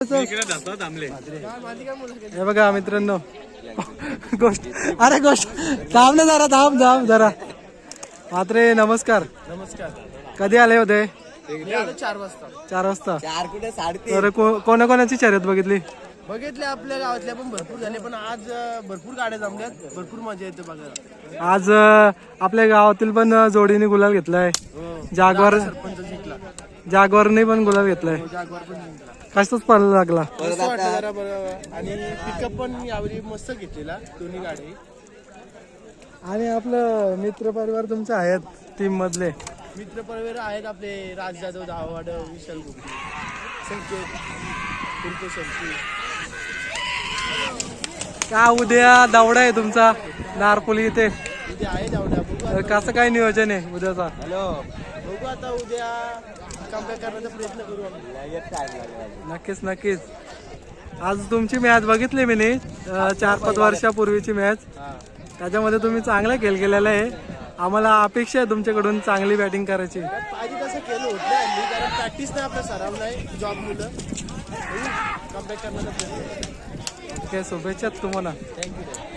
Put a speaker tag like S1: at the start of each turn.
S1: हे बघा मित्रांनो गोष्ट अरे गोष्ट थांब ना जरा थांब जरा मात्रे नमस्कार. कधी आले होते?
S2: 4 वाजता.
S1: 4 वाजता.
S2: 4 कुठे 3:30.
S1: तर कोणाकोणाची शर्यत बघितली?
S2: आपल्या गावातल्या पण भरपूर झाले, पण आज भरपूर गाड्या जमल्यात, भरपूर मजा येते बघायला.
S1: आज आपल्या गावातील पण जोडीने गुलाल घेतलाय.
S2: सरपंच जिंकला.
S1: जागवारने पण गुलाल घेतलाय.
S2: जागवार पण जिंकला.
S1: कशाच पळायला लागला?
S2: मस्त वाटलं जरा बरं. आणि पिकअप पण यावेळी मस्त घेतलेला दोन्ही गाडी.
S1: आणि आपलं मित्र परिवार तुमचे आहेत टीम मधले?
S2: मित्र परिवार आहेत आपले राज जाधव, धावाड, विशाल गुप्ते, संकेत कुर्ते शक्ती.
S1: का उद्या दावडा आहे तुमचा नारपोली इथे?
S2: उद्या आहे धावड्या.
S1: तर कसं काय नियोजन आहे उद्याचा?
S2: बघू आता उद्या कमबॅक करण्याचा प्रयत्न करू आम्ही.
S1: नक्कीच. आज तुमची मॅच बघितली मी 4-5 वर्षापूर्वीची मॅच. त्याच्यामध्ये तुम्ही चांगला खेळ केलेला आहे. आम्हाला अपेक्षा आहे तुमच्याकडून चांगली बॅटिंग करायची.
S2: आधी तसं केलं होतं कारण प्रॅक्टिस नाही, आपला सराव नाही, जॉब मुलं कमबॅक करण्याचा प्रयत्न.
S1: शुभेच्छा तुम्हाला.
S2: थँक्यू.